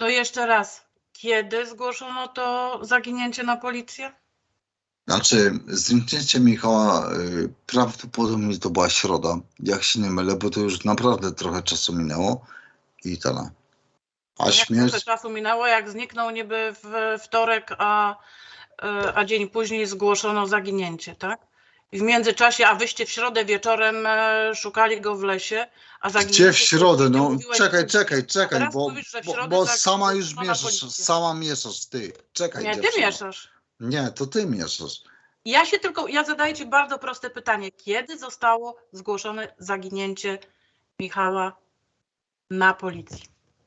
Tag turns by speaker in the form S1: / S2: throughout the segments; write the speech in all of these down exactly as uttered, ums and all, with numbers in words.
S1: To jeszcze raz, kiedy zgłoszono to zaginięcie na policję?
S2: Znaczy, zniknięcie Michała y, prawdopodobnie to była środa, jak się nie mylę, bo to już naprawdę trochę czasu minęło i tyle. A
S1: Jak trochę
S2: śmierć...
S1: czasu minęło, jak zniknął niby w wtorek, a, a dzień później zgłoszono zaginięcie, tak? I w międzyczasie, a wyście w środę wieczorem szukali go w lesie, a zaginięcie...
S2: Gdzie w środę? No
S1: mówiłeś,
S2: czekaj,
S1: że-
S2: czekaj, czekaj,
S1: teraz
S2: bo,
S1: mówisz, że w
S2: bo,
S1: środę
S2: bo
S1: zag-
S2: sama już
S1: zgłoszono na
S2: mieszasz,
S1: policję.
S2: sama mieszasz, ty. Czekaj,
S1: Nie, ty
S2: dziewczyno.
S1: mieszasz.
S2: Nie, to ty mieszasz.
S1: Ja się tylko, ja zadaję ci bardzo proste pytanie. Kiedy zostało zgłoszone zaginięcie Michała na policji?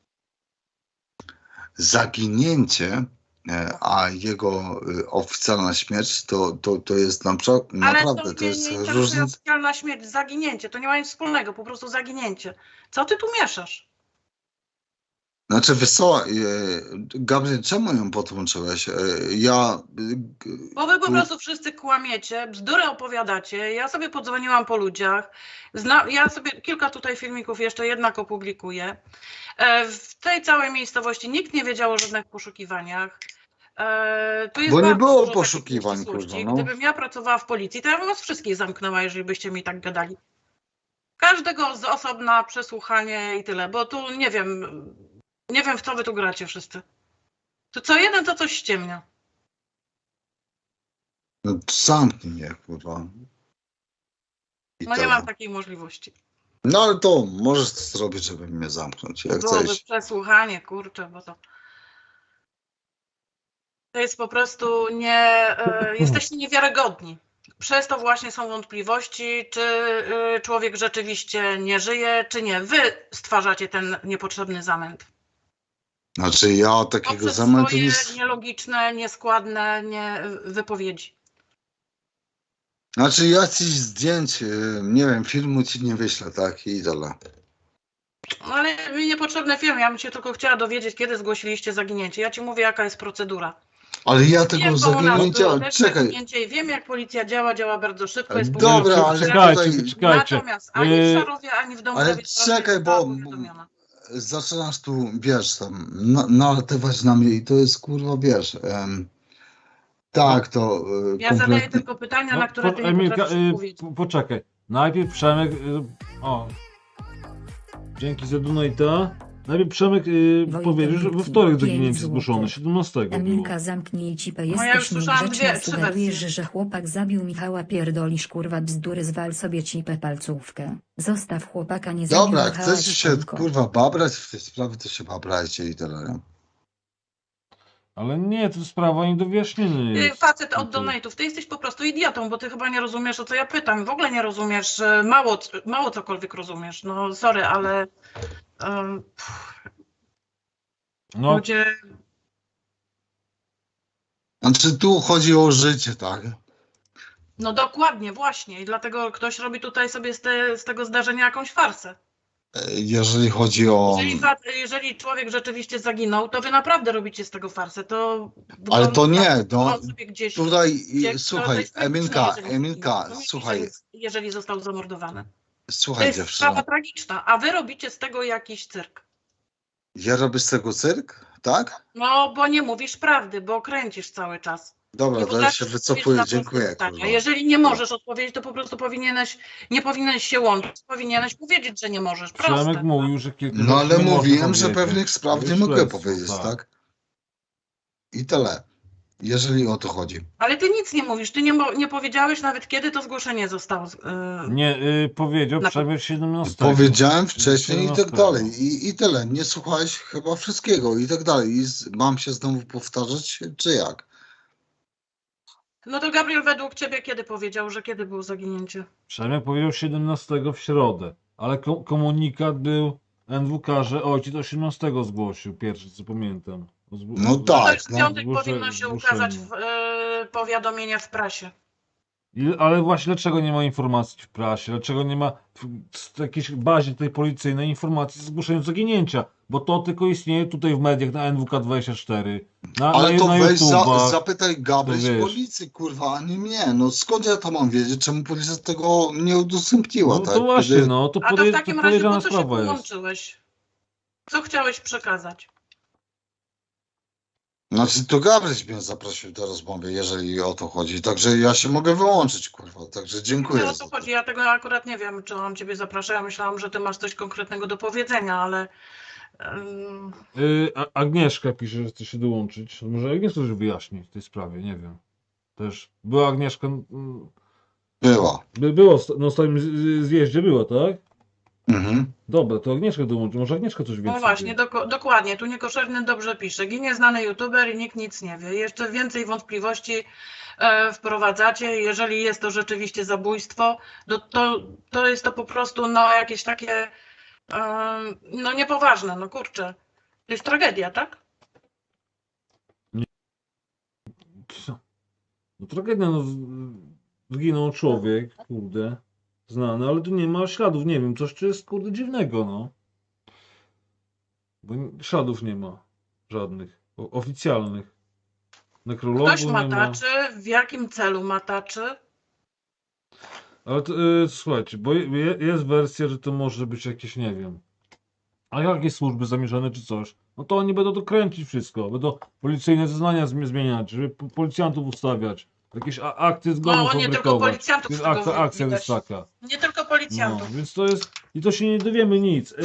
S2: Zaginięcie, e, a jego y, oficjalna śmierć to, to, to jest na przykład, naprawdę,
S1: Ale to,
S2: to jest
S1: nie, nie
S2: różnica.
S1: oficjalna śmierć, zaginięcie, to nie ma nic wspólnego, po prostu zaginięcie. Co ty tu mieszasz?
S2: Znaczy, wiesz co, e, Gabriel, czemu ją podłączyłeś? E, ja... e,
S1: Bo wy po
S2: tu-
S1: prostu wszyscy kłamiecie, bzdury opowiadacie, ja sobie podzwoniłam po ludziach, Zna, ja sobie kilka tutaj filmików jeszcze jednak opublikuję. E, w tej całej miejscowości nikt nie wiedział o żadnych poszukiwaniach. E, tu jest
S2: Bo nie
S1: bardzo
S2: było
S1: dużo takich
S2: poszukiwań,
S1: nieścisłości.
S2: kurwa, no.
S1: Gdybym ja pracowała w policji, to ja bym was wszystkich zamknęła, jeżeli byście mi tak gadali. Każdego z osobna przesłuchanie i tyle, bo tu nie wiem, nie wiem w co wy tu gracie wszyscy. Tu co jeden to coś ściemnia.
S2: No, zamknij mnie, kurwa. I
S1: No nie
S2: tyle.
S1: mam takiej możliwości.
S2: No ale to możesz to zrobić, żeby mnie zamknąć, jak
S1: Byłoby
S2: chcesz.
S1: przesłuchanie, kurczę, bo to... To jest po prostu nie... E, jesteście niewiarygodni. Przez to właśnie są wątpliwości, czy y, człowiek rzeczywiście nie żyje, czy nie. Wy stwarzacie ten niepotrzebny zamęt.
S2: Znaczy ja takiego
S1: Poprzez
S2: zamętu
S1: swoje
S2: nie...
S1: nielogiczne, nieskładne nie, wypowiedzi.
S2: Znaczy ja ci zdjęć, y, nie wiem, filmu ci nie wyślę, tak? I tyle.
S1: No ale mi niepotrzebne filmy, ja bym się tylko chciała dowiedzieć, kiedy zgłosiliście zaginięcie. Ja ci mówię, jaka jest procedura.
S2: Ale ja tego
S1: Wiem, bo u nas było
S2: zaginięcia...
S1: też
S2: Czekaj.
S1: zaginięcie i wiem, jak policja działa, działa bardzo szybko. Jest
S2: Dobra,
S1: powiadomiona.
S2: ale
S3: Czekajcie,
S2: tutaj...
S3: czekajcie.
S1: Natomiast ani w
S3: Yy,
S1: Szarowie, ani w domu
S2: Ale
S1: Dawidowie sprawa
S2: czekaj,
S1: nie została
S2: bo
S1: powiadomiona.
S2: zaczynasz tu, wiesz, tam na- nalatywać na mnie i to jest, kurwa, wiesz... Em, tak, to y,
S1: Ja zadaję
S2: kompletnie...
S1: tylko pytania,
S3: no,
S1: na które
S3: po,
S1: ty nie
S3: Emilka,
S1: potrafisz
S3: y,
S1: odpowiedzieć.
S3: po, poczekaj. Najpierw Przemek. Y, o. Dzięki za donata. Najpierw Przemek y,
S4: Wojtek
S3: powiedział, że we
S4: Wójcik,
S3: wtorek
S4: pięć
S3: zaginięcie
S4: złotych.
S3: zgłoszono, siedemnastego było.
S4: Emilka, zamknij cipę,
S1: No ja już
S4: jesteś
S1: słyszałam
S4: niegrzeczna,
S1: dwie, trzy
S4: sugerujesz,
S1: wersje.
S4: że chłopak zabił Michała, pierdolisz kurwa bzdury, zwal sobie cipę palcówkę. Zostaw chłopaka, nie zabił
S2: Dobra, jak
S4: Michała,
S2: chcecie się,
S4: ćpunko.
S2: kurwa, babrać w tej sprawie, to się babrajcie i tyle, nie?
S3: Ale nie, to sprawa nie do wyjaśnienia
S1: Ty,
S3: jest.
S1: Facet od donate'ów, ty jesteś po prostu idiotą, bo ty chyba nie rozumiesz, o co ja pytam. W ogóle nie rozumiesz, że mało, mało cokolwiek rozumiesz. No sorry, ale um,
S3: No,
S1: ludzie...
S2: Znaczy tu chodzi o życie, tak?
S1: No dokładnie, właśnie. I dlatego ktoś robi tutaj sobie z, te, z tego zdarzenia jakąś farsę.
S2: E, Jeżeli chodzi o...
S1: Jeżeli, fa- jeżeli człowiek rzeczywiście zaginął, to wy naprawdę robicie z tego farsę. To
S2: Ale to
S1: wygląda
S2: nie,
S1: tak,
S2: no,
S1: że on sobie gdzieś
S2: Tutaj, i-
S1: uciekł. To
S2: słuchaj,
S1: jest tragiczne,
S2: Emilka,
S1: jeżeli
S2: Emilka,
S1: zginął. To
S2: słuchaj,
S1: jeżeli, jeżeli został zamordowany. To
S2: słuchaj
S1: jest
S2: dziewczyno,
S1: sprawa tragiczna, a wy robicie z tego jakiś cyrk.
S2: ja robię z tego cyrk, tak?
S1: No, bo nie mówisz prawdy, bo kręcisz cały czas.
S2: Dobra,
S1: Nie
S2: to ja
S1: potrafisz
S2: się
S1: odpowiedzieć na
S2: wycofuję,
S1: proste
S2: dziękuję,
S1: pytania.
S2: kurwa.
S1: Jeżeli nie możesz odpowiedzieć, to po prostu powinieneś, nie powinieneś się łączyć, powinieneś powiedzieć, że nie możesz.
S3: Przemek
S1: Proste.
S3: mówił, że kilka
S2: No
S3: rzeczy
S2: ale
S3: nie można
S2: mówiłem, że
S3: powiedzieć.
S2: pewnych spraw
S3: To
S2: nie
S3: jest
S2: mogę
S3: śledztwo,
S2: powiedzieć, tak? I tyle. Jeżeli o to chodzi.
S1: Ale ty nic nie mówisz, ty nie, mo- nie powiedziałeś nawet, kiedy to zgłoszenie zostało. z- Yy,
S3: Nie, y, powiedział
S1: Na-
S3: Przemek siedemnastego.
S2: Powiedziałem wcześniej i tak
S3: siedemnastego.
S2: dalej. I, I tyle. Nie słuchałeś chyba wszystkiego i tak dalej. I z, mam się znowu powtarzać, czy jak?
S1: No to Gabriel, według ciebie kiedy powiedział, że kiedy było zaginięcie?
S3: Przemek powiedział siedemnastego w środę, ale ko komunikat był N W K, że ojciec osiemnastego zgłosił, pierwszy co pamiętam. O zgł-
S2: No
S3: o-
S1: No to
S2: tak,
S1: już w
S2: no.
S1: piątek
S3: Zgłosze-
S1: powinno się
S3: zgłoszenie.
S1: ukazać w, yy, powiadomienie w prasie.
S3: I- Ale właśnie dlaczego nie ma informacji w prasie? Dlaczego nie ma w, w jakiejś bazie tej policyjnej informacji z zgłoszeniem zaginięcia? Bo to tylko istnieje tutaj w mediach na N W K dwadzieścia cztery. Na,
S2: Ale
S3: na,
S2: to
S3: na
S2: weź za,
S3: YouTubach.
S2: zapytaj Gabryś
S3: to wiesz.
S2: policji, kurwa, a nie mnie. No skąd ja to mam wiedzieć? Czemu policja tego nie udostępniła,
S3: No
S2: tak?
S3: to właśnie,
S2: Kiedy-
S3: no to,
S1: A to w
S3: podej-
S1: takim
S3: to
S1: razie po
S3: podejrzana
S1: co się
S3: sprawa jest.
S1: połączyłeś? Co chciałeś przekazać?
S2: Znaczy to Gabryś mnie zaprosił do rozmowy, jeżeli o to chodzi. Także ja się mogę wyłączyć, kurwa. Także dziękuję.
S1: No o
S2: za
S1: to
S2: to.
S1: chodzi. Ja tego akurat nie wiem, czy on ciebie zaprasza. Ja myślałam, że ty masz coś konkretnego do powiedzenia, ale ym,
S3: Yy, A- Agnieszka pisze, że chce się dołączyć. Może Agnieszka coś wyjaśni w tej sprawie, nie wiem. Też była Agnieszka, mm,
S2: Była.
S3: by było sta- na ostatnim z- z- zjeździe była, tak?
S2: Mhm.
S3: Dobra, to Agnieszka dołączy. Może Agnieszka coś więcej
S1: no właśnie,
S3: wie.
S1: doko- dokładnie. Tu Niekoszerny dobrze pisze. Ginie znany youtuber i nikt nic nie wie. Jeszcze więcej wątpliwości e, wprowadzacie. Jeżeli jest to rzeczywiście zabójstwo, to, to, to jest to po prostu no, jakieś takie e, no niepoważne. No kurczę. To jest tragedia, tak?
S3: No tragedia, no z- zginął człowiek, kurde, znany, ale tu nie ma śladów, nie wiem, coś tu jest, kurde, dziwnego, no. Bo n- śladów nie ma żadnych, o- oficjalnych. Nekrologu
S1: Ktoś
S3: nie ma.
S1: mataczy. W jakim celu mataczy?
S3: Ale to, y, słuchajcie, bo je, je- jest wersja, że to może być jakieś, nie wiem, a jakieś służby zamierzone czy coś, no to oni będą to kręcić wszystko, będą policyjne zeznania zmi- zmieniać, żeby po- policjantów ustawiać, jakieś a- akty zgonu
S1: No, nie tylko
S3: fabrykować.
S1: policjantów
S3: Jest
S1: z tego
S3: akta, akcja
S1: widać.
S3: jest taka.
S1: Nie tylko
S3: No,
S1: policjantów.
S3: więc to jest, i to się nie dowiemy nic.